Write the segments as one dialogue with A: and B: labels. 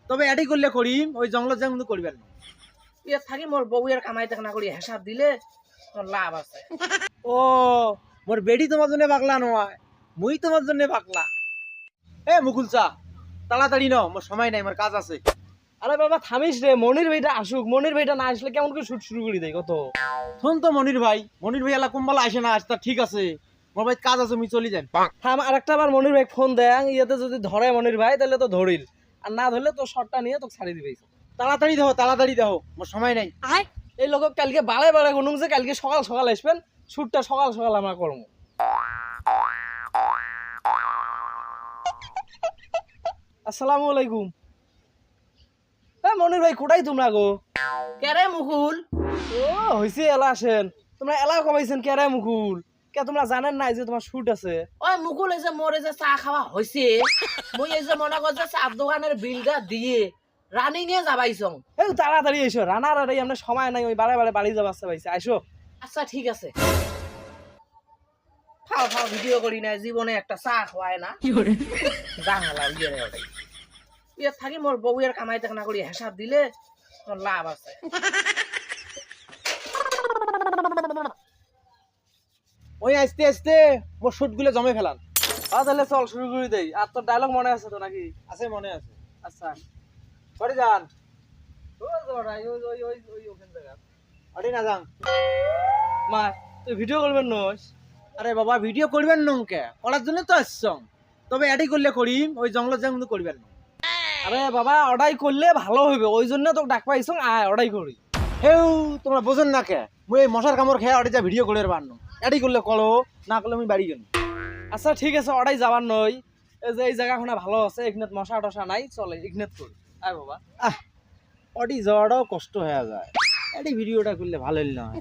A: তবে এটাই করলে করিম, ওই জঙ্গলত যা কিন্তু করবেন না।
B: ইয়ে থাকি মোর বউয়ের কামাই টাকা না করি হিসাব দিলে তোর লাভ আছে।
A: ও মোর বেডি তোমার জন্য পাগলা নয়, মুই তোমার জন্য পাগলা। এ মুকুল চা তাড়াতাড়ি নাও, মোর সময় নাই, আমার কাজ আছে।
C: আরে বাবা থামিস রে, মনির ভাইটা আসুক। মনির ভাইটা না আসলে কেমন করে শুট শুরু করে দেয় কত।
A: শোন তো মনির ভাই এলা কুম্বালা আসে না, আজ তা ঠিক আছে, মোর ভাই কাজ আছে, আমি চলি যাই।
C: থাম, আর একটা বার মনির ভাই ফোন দেন, ইয়েতে যদি ধরে মনির ভাই তাহলে তো ধরিল, আর না ধরলে তো শটটা নিয়ে তোকে ছাড়ি দিবে।
A: তাড়াতাড়ি দেখো, মোর সময় নাই।
C: এই লোক কালকে বারে বারে গুনুং যে কালকে সকাল সকাল আসবেন, শুটটা সকাল সকাল আমরা করবো। আসসালামু আলাইকুম। হ্যাঁ মনির ভাই কোটাই তোমরা গো?
B: কেরে মুকুল?
C: ও হইছে, এলা আসেন। তোমরা এলা কমাইছেন কেরে মুকুল? কে তোমরা জানেন না যে তোমার শুট আছে?
B: ওই মুকুল এই যে মোরে যে চা খাওয়া হয়েছে, মুই এই যে মনে কর যে চার দোকানের বিলটা দিয়ে রানিং এ যাবাইছং।
C: এই তাড়াতাড়ি এসো, রানার আর আমরা সময় নাই, ওই বারে বারে বাড়ি যাবার পাইছে। আইসো।
B: আচ্ছা ঠিক আছে। খাও খাও, ভিডিও করি না, জীবনে একটা চা খাওয়ায় না। জাঙালা ইয়ে থাকি মোর বউয়ের কামাই টাকা না করি হিসাব দিলে তোর লাভ আছে।
A: ওই আস্তে আস্তে মোর শুট গুলো জমে ফেলান।
C: তাহলে চল শুরু করে দেই। আর তোর ডায়লগ মনে আছে তো নাকি?
A: আছে, মনে আছে।
C: আচ্ছা
A: সরি যান,
C: ওখান জায়গা
A: অডি না যান।
C: মা তুই ভিডিও করবেন নস?
A: আরে বাবা ভিডিও করবেন নংকে, করার জন্য তো আসছং, তবে এটাই করলে করিম, ওই জঙ্গলত যা কিন্তু করবেন না।
C: আরে বাবা অর্ডাই করলে ভালো হইবে, ওই জন্য তোকে ডাক পাইছং, আয় অর্ডাই করি।
A: হেউ তোমরা বোঝেন না কে, মুই এই মশার কামড় খেয়ে অডি যা ভিডিও করে পারনো, এটাই করলে করো, না করলে আমি বাড়ি গেল।
C: আচ্ছা ঠিক আছে, অর্ডাই যাবার নই। এই যে এই জায়গাখানা ভালো আছে, এখানে মশা টশা নাই, চলে এখানে করি। আয় বাবা।
A: অডি যাওয়াটাও কষ্ট হয়ে যায়, এটাই ভিডিওটা করলে ভালো হইল না।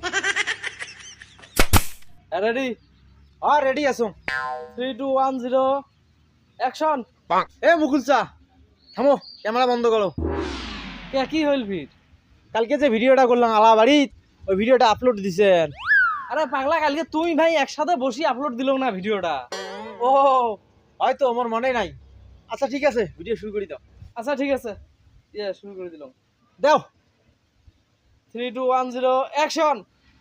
C: রেডি?
A: রেডি আছো?
C: 3 2 1 0 অ্যাকশন।
A: এ মুকুল চা থামো, ক্যামেরা বন্ধ করো।
C: কে কি হইল ফির?
A: কালকে যে ভিডিওটা করলাম আলা বাড়িত, ওই ভিডিওটা আপলোড দিছেন।
C: আরে পাগলা, কালকে তুই ভাই একসাথে বসি আপলোড দিল না ভিডিওটা?
A: ও হয়তো আমার মনে নাই। আচ্ছা ঠিক আছে, ভিডিও শুরু করি দাও।
C: আচ্ছা ঠিক আছে, শুরু করে দিলাম।
A: দাও।
C: 3 2 1 0 অ্যাকশন।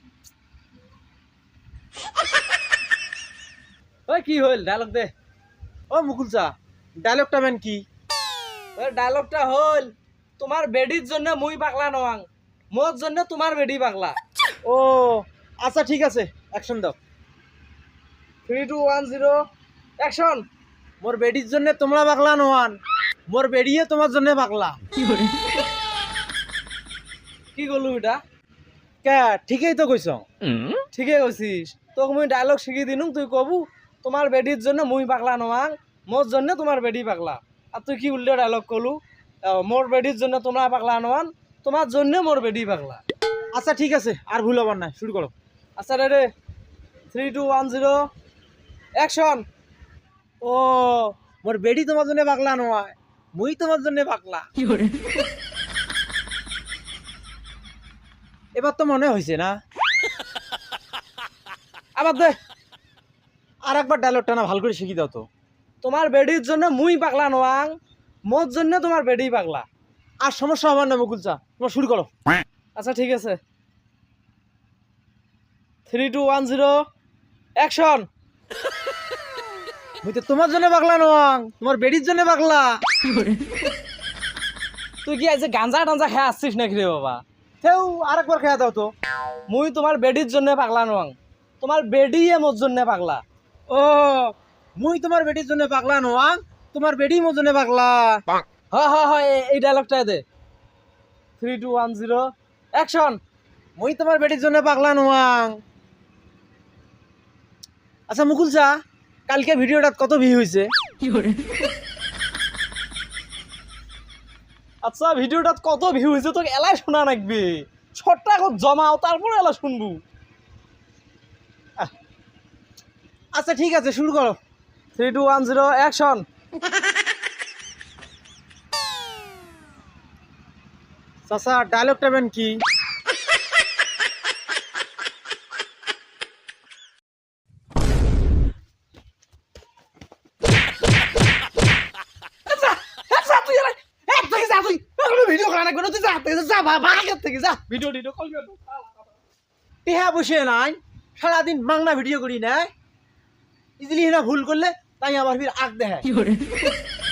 C: ওই কি হইল, ডায়লগ দে।
A: ও মুকুল চা ডায়লগটা মেন কি?
C: ওই ডায়লগটা হইল, তোমার বেডির জন্য মুই পাগলা নওয়াং, মোর জন্য তোমার বেডি পাগলা।
A: ও আচ্ছা ঠিক আছে, অ্যাকশন দাও।
C: 3 2 1 0 অ্যাকশন।
A: মোর বেডির জন্য তোমরা পাগলা নোয়ান, মোর বেডিয়ে তোমার জন্য পাগলা।
C: কি করলু এটা?
A: কে ঠিকই তো কইছ।
C: ঠিকই কইছিস, তোকে মুই ডায়লগ শিখিয়ে দিনুম, তুই কবু তোমার বেডির জন্য মুই পাগলা নওয়াং, মোর জন্য তোমার বেডি পাগলা। আর তুই কি উল্টো ডায়লগ কলু, মোর বেডির জন্য তোমরা পাগলা নওয়ান, তোমার জন্য মোর বেডি পাগলা।
A: আচ্ছা ঠিক আছে, আর ভুল হবার না, শুরু করো।
C: আচ্ছা রে 3 2 1 0 অ্যাকশন।
A: ও মোর বেডি তোমার জন্য পাগলা নয়, মুই তোমার জন্য পাগলা। এবার তো মনে হয়েছে না?
C: আবার দে।
A: আর একবার ডায়লগটা না ভাল করে শিখি দাও তো।
C: তোমার বেডির জন্য মুই পাগলা নওয়াং, মোর জন্য তোমার বেডি পাগলা।
A: আর সমস্যা হবার না মুকুল চা, তোমার শুরু করো।
C: আচ্ছা ঠিক আছে, 3 2 1 0 অ্যাকশন।
A: মুই তো তোমার জন্য পাগলা নয়, তোমার বেডির জন্য পাগলা।
C: তুই কি আজ গাঞ্জা টাঞ্জা খেয়ে আসছিস নাকি রে বাবা?
A: সেও আর একবার খেয়া দাও তো।
C: মুই তোমার বেডির জন্য পাগলা নওয়াং, তোমার বেডি মোর জন্য পাগলা।
A: ও মুই তোমার বেডির জন্য পাগলা নয়, তোমার বেডি মোর জন্য পাগলা।
C: হয় এই ডায়লগটা দে। 3 2 1 0 অ্যাকশন।
A: মুই তোমার বেডির জন্য পাগলা নয়। আচ্ছা মুকুল চা, কালকে ভিডিওটা কত ভিউ হয়েছে?
C: আচ্ছা ভিডিওটা কত ভিউ হয়েছে তোকে এলাই শোনা লাগবে, শর্টটা জমাও তারপরে এলা শুনবো।
A: আচ্ছা ঠিক আছে, শুরু করো।
C: 3 2 1 0 অ্যাকশন।
A: চাচা ডায়লগটা বেন কি?
C: তুই হাতে যা ভাগের থেকে যা ভিডিও টিডিও কল করে
A: টেহা বসে নাই সারাদিন মাংনা ভিডিও করি না ইজিলি না ভুল করলে তাই আবার ফির আগ দেখায়